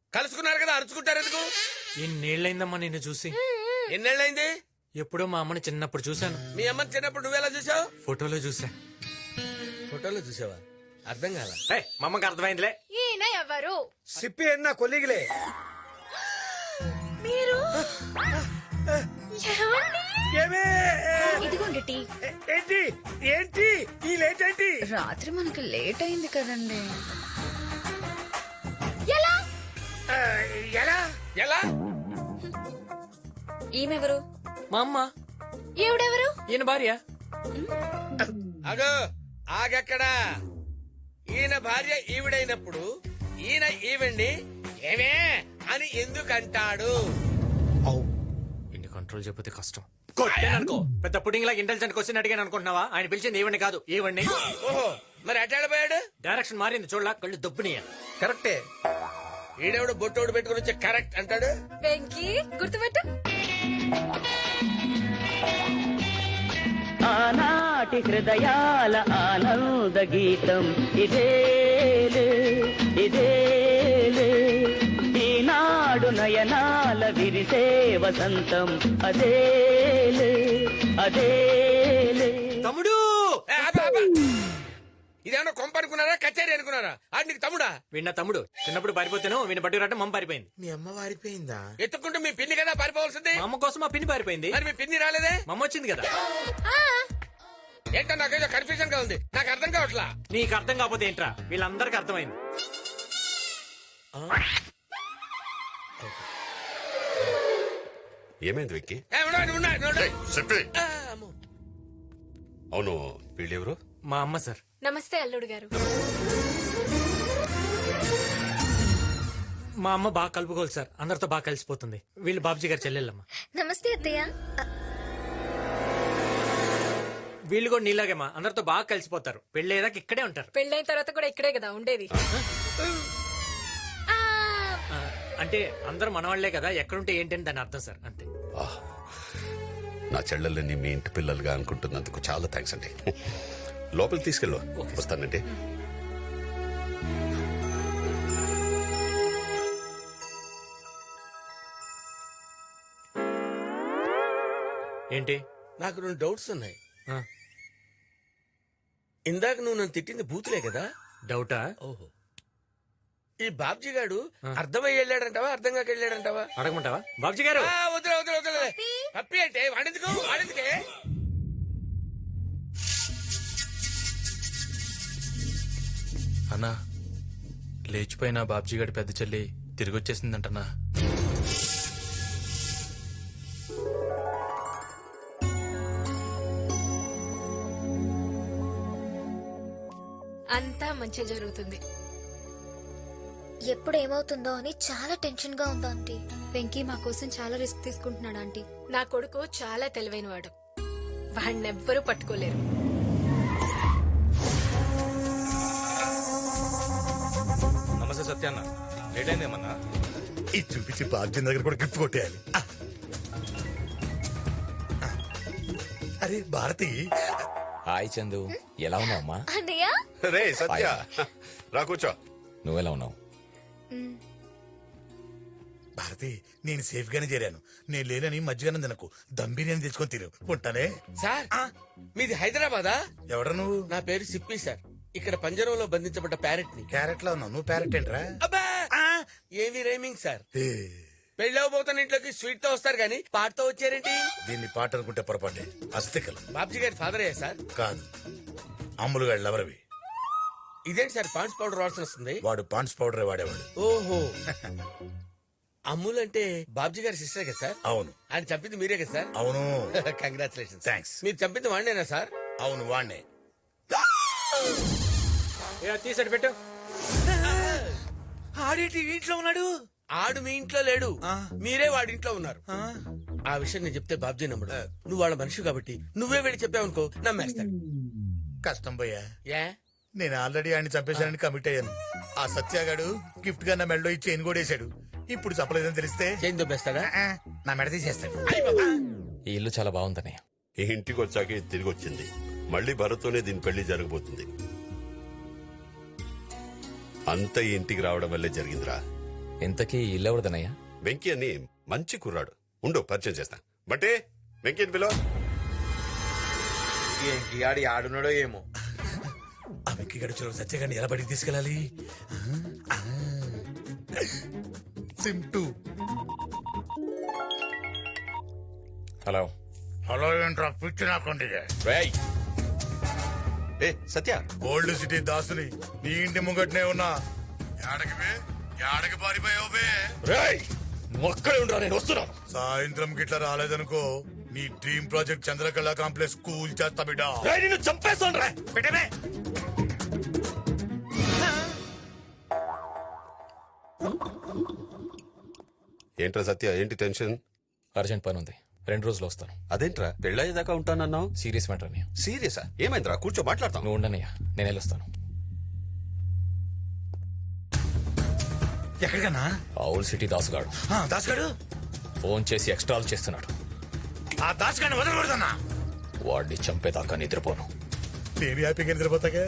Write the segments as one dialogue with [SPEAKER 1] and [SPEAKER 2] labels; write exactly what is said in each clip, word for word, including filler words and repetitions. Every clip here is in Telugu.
[SPEAKER 1] కలుసుకున్నారు కదా అరుచుకుంటారు ఎందుకు?
[SPEAKER 2] ఎన్నేళ్ళైందమ్మా నిన్ను చూసి?
[SPEAKER 1] ఎన్నేళ్ళైంది?
[SPEAKER 2] ఎప్పుడో మా అమ్మని చిన్నప్పుడు చూశాను.
[SPEAKER 1] మీ అమ్మని చిన్నప్పుడు నువ్వెలా చూసావు?
[SPEAKER 2] ఫోటోలో చూసా.
[SPEAKER 1] ఫోటోలో చూసావా? అర్థం కాల.
[SPEAKER 2] ఏయ్, మా అమ్మకి అర్థమైందిలే.
[SPEAKER 3] ఈయన ఎవరు?
[SPEAKER 4] సిప్పి అన్న కొలిగిలే.
[SPEAKER 3] మీరు
[SPEAKER 4] ఏమే?
[SPEAKER 3] ఇదిగోండి టీ.
[SPEAKER 4] ఏ- ఏంటి ఏంటి ఈ లేట్ ఏంటి?
[SPEAKER 3] రాత్రి మనకి లేట్ అయింది కదండి. ఎలా
[SPEAKER 4] ఆ, ఎలా
[SPEAKER 1] ఎలా?
[SPEAKER 3] ఈమెవరు?
[SPEAKER 2] మా అమ్మ.
[SPEAKER 3] ఈవిడెవరు?
[SPEAKER 2] ఈయన భార్య.
[SPEAKER 1] అగో ఆగక్కడా. ఈయన భార్య ఈవిడైనప్పుడు ఈయన ఈవిడ్ని ఏమే అని ఎందుకు అంటాడు?
[SPEAKER 2] ఇన్ని కంట్రోల్ చెప్పితే కష్టం. కొట్టాననుకో, పెద్ద పుడింగ్ లాగా ఇంటెలిజెంట్ క్వశ్చన్ అడిగాను అనుకుంటున్నావా? ఆయన పిలిచింది ఈవెండి కాదు, ఈవెండి.
[SPEAKER 1] ఓహో, మరి అటాడిపోయాడు.
[SPEAKER 2] డైరెక్షన్ మారింది చూడలా, కళ్ళు దబ్బునియ.
[SPEAKER 1] కరెక్టే. ఈడెవడు బొట్టోడు పెట్టుకుని వచ్చి కరెక్ట్ అంటాడు.
[SPEAKER 3] వెంకీ గుర్తుపెట్టు.
[SPEAKER 5] ఆనాటి హృదయాల ఆనంద గీతం ఇదేలే ఇదేలే ఈనాడు నయనాల విరిసే వసంతం అదేలే అదేలే.
[SPEAKER 2] తమ్ముడు!
[SPEAKER 1] ఏ, ఆపు, ఆపు. ఇదేమన్నా కొంప అనుకున్నారా, కచేరీ అనుకున్నారా? ఆడు నీకు తమ్ముడా?
[SPEAKER 2] వీణ తమ్ముడు. చిన్నప్పుడు పారిపోతాను, వీణ బట్టి రావడం మమ్మ పారిపోయింది.
[SPEAKER 4] మీ అమ్మ వారిపోయిందా?
[SPEAKER 1] ఎత్తుకుంటూ మీ పిన్ని కదా పారిపోవాల్సింది.
[SPEAKER 2] మా అమ్మ కోసం మా పిన్ని పారిపోయింది.
[SPEAKER 1] మరి మీ పిన్ని రాలేదే?
[SPEAKER 2] మా అమ్మ వచ్చింది కదా.
[SPEAKER 1] ఏంటో నాకేదో కన్ఫ్యూజన్ గా ఉంది, నాకు అర్థం కావట్లా.
[SPEAKER 2] నీకు అర్థం కాకపోతే ఏంట్రా, వీళ్ళందరికీ అర్థమైంది.
[SPEAKER 6] ఏమైంది వెక్కి?
[SPEAKER 1] ఏ, ఉండండి, ఉండండి, ఉండండి.
[SPEAKER 6] చెప్పి.
[SPEAKER 1] ఆ, అమ్మో.
[SPEAKER 6] అవును, వీళ్ళెవరు?
[SPEAKER 2] మా అమ్మ సార్.
[SPEAKER 3] నమస్తే అల్లుడు గారు.
[SPEAKER 2] మా అమ్మ బాగా కలుపుకోవాలి సార్, అందరితో బాగా కలిసిపోతుంది. వీళ్ళు బాబుజీ గారు చెల్లెళ్ళమ్మ.
[SPEAKER 3] నమస్తే అత్తయ్య.
[SPEAKER 2] వీళ్ళు కూడా నీలాగేమా, అందరితో బాగా కలిసిపోతారు. పెళ్ళేదాకా ఇక్కడే ఉంటారు.
[SPEAKER 3] పెళ్ళైన తర్వాత కూడా ఇక్కడే కదా ఉండేది. ఆ,
[SPEAKER 2] ఆ, అంటే అందరూ మనవాళ్లే కదా, ఎక్కడుంటే ఏంటని దాని అర్థం సార్, అంతే.
[SPEAKER 6] ఆహ్, నా చెల్లెల్ని మీ ఇంటి పిల్లలుగా అనుకుంటున్నందుకు చాలా థ్యాంక్స్ అండి. లోపలికి తీసుకెళ్ళు. వస్తానండి.
[SPEAKER 2] ఏంటి?
[SPEAKER 1] నాకు రెండు డౌట్స్ ఉన్నాయి.
[SPEAKER 2] ఆ,
[SPEAKER 1] ఇందాక నువ్వు నన్ను తిట్టింది బూతులే కదా?
[SPEAKER 2] డౌటా?
[SPEAKER 1] ఓహో. ఈ బాబ్జీ గాడు అర్థమై వెళ్ళాడంటావా, అర్థం కాక వెళ్ళాడంటావా?
[SPEAKER 2] అడగమంటావా బాబుజీ గారు?
[SPEAKER 1] ఆ, వదిలే వదిలే వదిలే. పప్పి అంటే వాడెందుకు వాడెందుకే?
[SPEAKER 7] అన్నా, లేచిపోయిన బాబ్జీ గడి పెద్ద చెల్లి తిరిగి వచ్చేసిందంటనా?
[SPEAKER 3] అంతా మంచి జరుగుతుంది.
[SPEAKER 8] ఎప్పుడు ఏమవుతుందో అని చాలా టెన్షన్ గా ఉంది ఆంటీ.
[SPEAKER 3] వెంకీ మా కోసం చాలా రిస్క్ తీసుకుంటున్నాడు ఆంటీ. నా కొడుకు చాలా తెలివైనవాడు, వాడినెవ్వరూ పట్టుకోలేరు.
[SPEAKER 7] నమస్తే సత్యాన్న, లేట్ అయిందేమన్నా?
[SPEAKER 4] ఇది చూపించి బాగ్యం దగ్గర కూడా గిఫ్ట్ కొట్టేయాలి. ఆ. అరే భారతి,
[SPEAKER 9] హాయ్ చందు, ఎలా ఉన్నావు అమ్మా?
[SPEAKER 8] అన్నయ్య
[SPEAKER 6] రే సత్య, రా కూర్చో.
[SPEAKER 9] నువ్వెలా ఉన్నావు?
[SPEAKER 4] భారతి నేను సేఫ్ గానే చేరాను. నేను లేనని మధ్యగానే తినకు, దమ్ బిర్యానీ తెచ్చుకొని తిరు. ఉంటానే.
[SPEAKER 1] సార్, మీది హైదరాబాదా?
[SPEAKER 4] ఎవడ నువ్వు?
[SPEAKER 1] నా పేరు సిప్పి సార్. ఇక్కడ పంజరంలో బంధించబడ్డ ప్యారెట్ ని.
[SPEAKER 4] క్యారెట్ లో ఉన్నావు, నువ్వు ప్యారెట్ ఏంట్రా?
[SPEAKER 1] అబ్బా, ఏవి రైమింగ్ సార్.
[SPEAKER 4] ఏ,
[SPEAKER 1] పెళ్ళవబోతున్న ఇంట్లోకి స్వీట్ తో వస్తారు గానీ పాటతో వచ్చారేంటి?
[SPEAKER 4] దీన్ని పాట అనుకుంటే పొరపాటే. అస్థికలు
[SPEAKER 1] బాబ్జీ గారి ఫాదర్ అయ్యా సార్?
[SPEAKER 4] కాదు, అమ్ములు గాడు లవరవి.
[SPEAKER 1] ఇదేంటి సార్ పాండ్స్ పౌడర్ వాసన వస్తుంది?
[SPEAKER 4] వాడు పాండ్స్ పౌడర్ వాడేవాడు.
[SPEAKER 1] ఓహో. అమ్ముల్ అంటే బాబ్జీ గారి సిస్టర్ కదా సార్?
[SPEAKER 4] అవును.
[SPEAKER 1] ఆయన చంపింది మీరే కదా సార్?
[SPEAKER 4] అవును.
[SPEAKER 1] కంగ్రాచులేషన్.
[SPEAKER 4] థ్యాంక్స్.
[SPEAKER 1] మీరు చంపింది వాడినేనా సార్?
[SPEAKER 4] అవును వాణ్ణే.
[SPEAKER 2] తీసాడు పెట్టు.
[SPEAKER 4] ఆడేటి ఇంట్లో ఉన్నాడు?
[SPEAKER 1] ఆడు మీ ఇంట్లో లేడు, మీరే వాడి ఇంట్లో ఉన్నారు. ఆ విషయం నేను చెప్తే బాబ్జీ నమ్ముడు. నువ్వు వాళ్ళ మనిషి కాబట్టి నువ్వే వెళ్ళి చెప్పావనుకో నమ్మేస్తాడు.
[SPEAKER 4] కష్టం పోయా.
[SPEAKER 1] ఏ
[SPEAKER 4] నేను ఆల్రెడీ ఆయన చంపేశానని కమిట్ అయ్యాను. ఆ సత్యాగాడు గిఫ్ట్ గా నా మెడలో ఈ చైన్ కూడా వేసాడు. ఇప్పుడు చెప్పలేదని తెలిస్తే
[SPEAKER 1] చేయి దొబ్బేస్తాడా?
[SPEAKER 4] ఆ, నా మెడ తీసేస్తాడు.
[SPEAKER 9] ఈ ఇల్లు చాలా బాగుందన్నయ్య.
[SPEAKER 6] ఈ ఇంటికి వచ్చాక ఇది తిరిగి వచ్చింది. మళ్ళీ భరత్తోనే దీని పెళ్లి జరగబోతుంది. అంత ఈ ఇంటికి రావడం వల్లే జరిగిందిరా.
[SPEAKER 9] ఇంతకీ ఈ ఇల్లు ఎవరిదన్నయ్యా?
[SPEAKER 6] వెంకీ అని మంచి కుర్రాడు, ఉండు పరిచయం చేస్తా. బట్టే వెంకీని పిలో.
[SPEAKER 1] ఏంటి ఆడి ఆడున్నాడో ఏమో.
[SPEAKER 4] ఆ వెంకీ గడుచులో సత్యగాన్ని ఎలా బడికి తీసుకెళ్ళాలి? సింటూ.
[SPEAKER 9] హలో.
[SPEAKER 4] హలో ఏంట్రా పిచ్చి నాకండి.
[SPEAKER 9] రేయ్,
[SPEAKER 6] ఏ సత్య,
[SPEAKER 4] గోల్డ్ సిటీ దాసుని నీ ఇంటి ముంగట్నే ఉన్నా. యాడకి బే యాడకి పారిపోయావు బే?
[SPEAKER 9] రేయ్, నువ్వు అక్కడే ఉండరా, నేను వస్తున్నాను.
[SPEAKER 4] సాయంత్రం గిట్లా రాలేదనుకో నీ dream project Chandrakala complex cool చేస్తా బిడ్డ.
[SPEAKER 9] రేయ్, నిన్ను చంపేస్తాను రా.
[SPEAKER 4] పెట్టమే.
[SPEAKER 6] ఏంట్రా సత్య, ఏంటి టెన్షన్?
[SPEAKER 9] అర్జెంట్ పని ఉంది, రెండు రోజులు వస్తాను.
[SPEAKER 6] అదేంట్రా పెళ్ళయ్యేదాకా ఉంటానన్నావు?
[SPEAKER 9] సీరియస్ మ్యాటర్ అన్నయ్య.
[SPEAKER 6] సీరియసా? ఏమైందిరా? కూర్చో మాట్లాడతాం.
[SPEAKER 9] నువ్వు ఉండనయ్యా, నేను వెళ్ళొస్తాను.
[SPEAKER 4] ఎక్కడికన్నా?
[SPEAKER 9] ఆవుల్ సిటీ దాసుగాడు
[SPEAKER 4] దాసుగాడు
[SPEAKER 9] ఫోన్ చేసి ఎక్స్ట్రాలు చేస్తున్నాడు.
[SPEAKER 4] ఆ దాసుగాడిని వదలకూడదన్నా.
[SPEAKER 9] వాడిని చంపేదాకా నిద్రపోను.
[SPEAKER 4] నేను హ్యాపీగా నిద్రపోతాగా.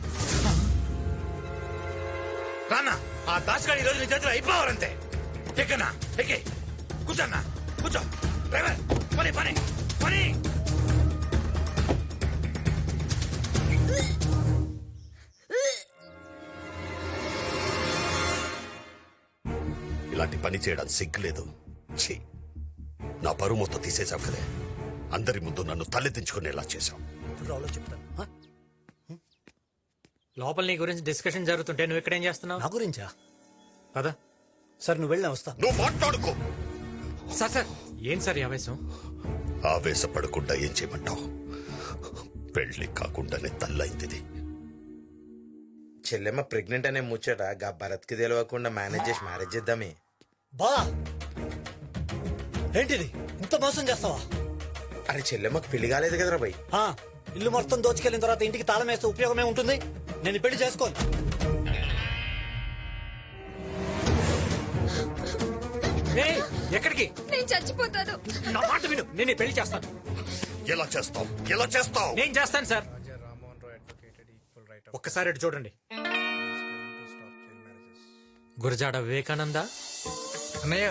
[SPEAKER 4] రానా ఆ దాసుగాడి ఈ రోజు నీ చేతిలో అయిపోవాలంతే. ఎక్కన్నా ఎక్కే కూర్చోన్నా కూర్చో. డ్రైవర్ పని పని పని.
[SPEAKER 6] ఇలాంటి పని చేయడానికి సిగ్గులేదు. ఛీ, నా పరువు మొత్తం తీసేశావు కదే. అందరి ముందు నన్ను తలెత్తించుకునేలా చేశావు.
[SPEAKER 2] లోపల నీ గురించి డిస్కషన్ జరుగుతుంటే నువ్వు ఇక్కడ ఏం చేస్తున్నావు?
[SPEAKER 10] నా గురించా?
[SPEAKER 2] పదా.
[SPEAKER 10] సార్ నువ్వు వెళ్ళినా వస్తా.
[SPEAKER 6] నువ్వు మాట్లాడుకో.
[SPEAKER 2] సార్ సార్ ఏం సార్ ఈ ఆవేశం?
[SPEAKER 6] ఆవేశపడకుండా ఏం చేయమంటావు? పెళ్లి కాకుండానే తల్లైంది.
[SPEAKER 1] చెల్లెమ్మ ప్రెగ్నెంట్ అనే ముచ్చట గా భరత్ కి తెలియకుండా మేనేజ్ చేసి మ్యారేజ్ చేద్దామే.
[SPEAKER 10] బా ఏంటిది ఇంత మోసం చేస్తావా?
[SPEAKER 1] అరే చెల్లెమ్మకి పెళ్లి కాలేదు కదరా భయ్.
[SPEAKER 10] ఆ, ఇల్లు మొత్తం దోచుకెళ్ళిన తర్వాత ఇంటికి తాళం వేస్తే ఉపయోగమే ఉంటుంది. నేను ఈ పెళ్లి చేసుకోను.
[SPEAKER 2] ఏయ్, ఎక్కడికి?
[SPEAKER 3] నేను చచ్చిపోతాను.
[SPEAKER 2] నా మాట విను, నేను ఈ పెళ్లి చేస్తాను.
[SPEAKER 6] ఎలా చేస్తావు? ఎలా చేస్తావు?
[SPEAKER 2] నేను చేస్తాను సార్. ఒక్కసారి అటు చూడండి. గురజాడ వివేకానంద.
[SPEAKER 7] అన్నయ్య,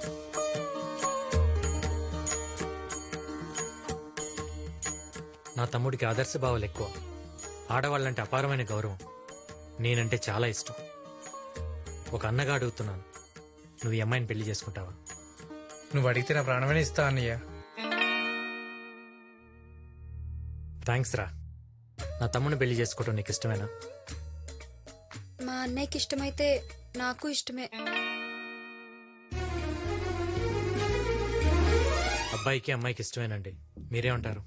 [SPEAKER 2] నా తమ్ముడికి ఆదర్శ భావాలు ఎక్కువ. ఆడవాళ్ళంటే అపారమైన గౌరవం. నేనంటే చాలా ఇష్టం. ఒక అన్నగా అడుగుతున్నాను, నువ్వు ఈ అమ్మాయిని పెళ్లి చేసుకుంటావా?
[SPEAKER 7] నువ్వు అడిగితే నా ప్రాణమైన ఇస్తా అన్నయ్య.
[SPEAKER 2] థ్యాంక్స్ రా. నా తమ్ముడిని పెళ్లి చేసుకోవడం నీకు ఇష్టమేనా?
[SPEAKER 3] మా అన్నయ్యకి ఇష్టమైతే నాకు ఇష్టమే.
[SPEAKER 2] అబ్బాయికి అమ్మాయికి ఇష్టమేనండి. మీరేమంటారు?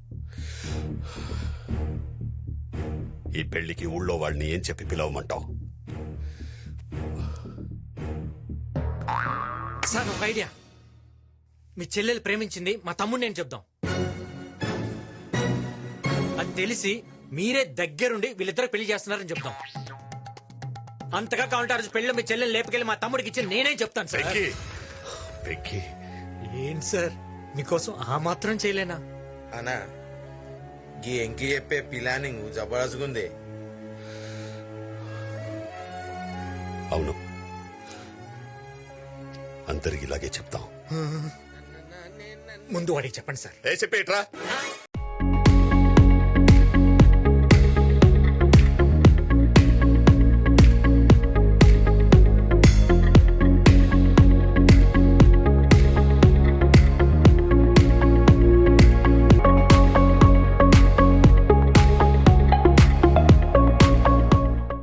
[SPEAKER 6] ఈ పెళ్లికి ఊళ్ళో వాళ్ళని ఏం చెప్పి పిలవమంటావు?
[SPEAKER 2] సార్ ఒక ఐడియా. మీ చెల్లెలు ప్రేమించింది మా తమ్ముడిని నేను చెప్దాం. అది తెలిసి మీరే దగ్గరుండి వీళ్ళిద్దరు పెళ్లి చేస్తున్నారని చెప్దాం. అంతగా కావాలంటే ఆ రోజు పెళ్లిలో మీ చెల్లెలు లేపుకెళ్ళి మా తమ్ముడికి ఇచ్చి నేనే చెప్తాను సార్.
[SPEAKER 6] వెంకీ, వెంకీ,
[SPEAKER 2] ఏం సార్ మీకోసం ఆ మాత్రం చేయలేనా?
[SPEAKER 1] అనా గీ ఎంకి చెప్పే ప్లానింగ్ జబర్దస్త్గుంది.
[SPEAKER 6] అవును, అందరికి ఇలాగే చెప్తాం.
[SPEAKER 2] ముందు వాడికి చెప్పండి సార్.
[SPEAKER 6] ఏ చెప్పేట్రా.